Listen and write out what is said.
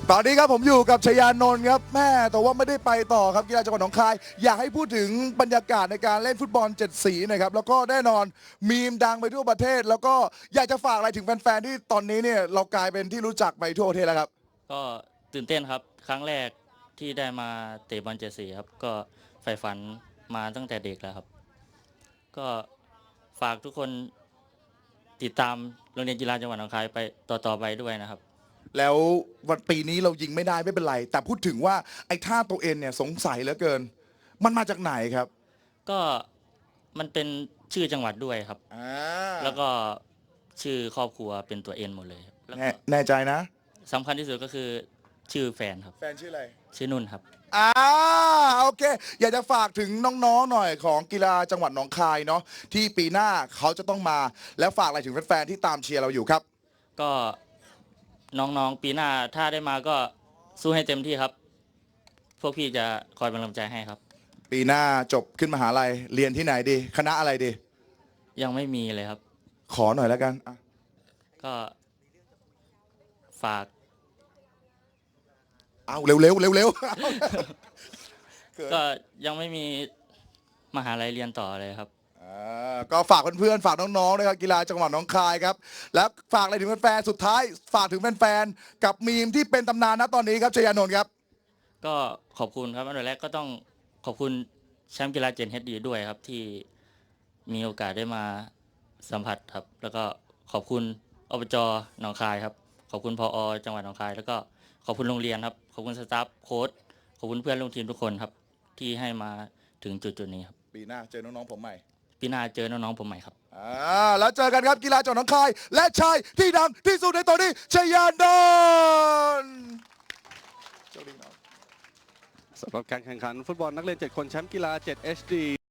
ตอนนี้ครับผมอยู่กับชยานนท์ครับแม่แต่ว่าไม่ได้ไปต่อครับกีฬาจังหวัดหนองคายอยากให้พูดถึงบรรยากาศในการเล่นฟุตบอล7 สีหนะครับแล้วก็แน่นอนมีมดังไปทั่วประเทศ แล้วก็อยากจะฝากอะไรถึงแฟนๆที่ตอนนี้เนี่ยเรากลายเป็นที่รู้จักไปทั่วประเทศแล้วครับก็ตื่นเต้นครับครั้งแรกที่ได้มาเตะบอลเจดสีครับก็ใฝ่ฝันมาตั้งแต่เด็กแล้วครับก็ฝากทุกคนติดตามโรงเรียนกีฬาจังหวัดหนองคายไปต่อไปด้วยนะครับแล้ววันปีนี้เรายิงไม่ได้ไม่เป็นไรแต่พูดถึงว่าไอ้ท่าตัวเอ็นเนี่ยสงสัยเหลือเกินมันมาจากไหนครับก็มันเป็นชื่อจังหวัดด้วยครับอ่าแล้วก็ชื่อครอบครัวเป็นตัวเอ็นหมดเลยครับแล้วก็แน่ใจนะสำคัญที่สุดก็คือชื่อแฟนครับแฟนชื่ออะไรชื่อนุ่นครับอ่าโอเคอยากจะฝากถึงน้องๆหน่อยของกีฬาจังหวัดหนองคายเนาะที่ปีหน้าเขาจะต้องมาแล้วฝากอะไรถึงแฟนๆที่ตามเชียร์เราอยู่ครับก็น้องๆปีหน้าถ้าได้มาก็สู้ให้เต็มที่ครับพวกพี่จะคอยเป็นกำลังใจให้ครับปีหน้าจบขึ้นมหาลัยเรียนที่ไหนดีคณะอะไรดียังไม่มีเลยครับขอหน่อยแล้วกันอ่ะก็ฝากเอาเร็วๆเร็วก็ยังไม่มีมหาลัยเรียนต่อเลยครับๆก็ฝากเพื่อนๆฝากน้องๆนะครับกีฬาจังหวัดหนองคายครับแล้วฝากอะไรถึงแฟนๆสุดท้ายฝากถึงแฟนๆกับมีมที่เป็นตำนานนะตอนนี้ครับชยานนท์ครับก็ขอบคุณครับอันดับแรกก็ต้องขอบคุณแชมป์กีฬาเจนเฮดดีด้วยครับที่มีโอกาสได้มาสัมผัสครับแล้วก็ขอบคุณอบจหนองคายครับขอบคุณพอจังหวัดหนองคายแล้วก็ขอบคุณโรงเรียนครับขอบคุณสตาฟโค้ชขอบคุณเพื่อนร่วมทีมทุกคนครับที่ให้มาถึงจุดนี้ครับปีหน้าเจอน้องๆผมใหม่ปีหน้าเจอน้องๆผมใหม่ครับแล้วเจอกันครับกีฬาจังหวัดหนองคายและชายที่ดังที่สุดในตอนนี้ชยานนท์สำหรับการแข่งขันฟุตบอลนักเรียน7 คนแชมป์กีฬา7 HD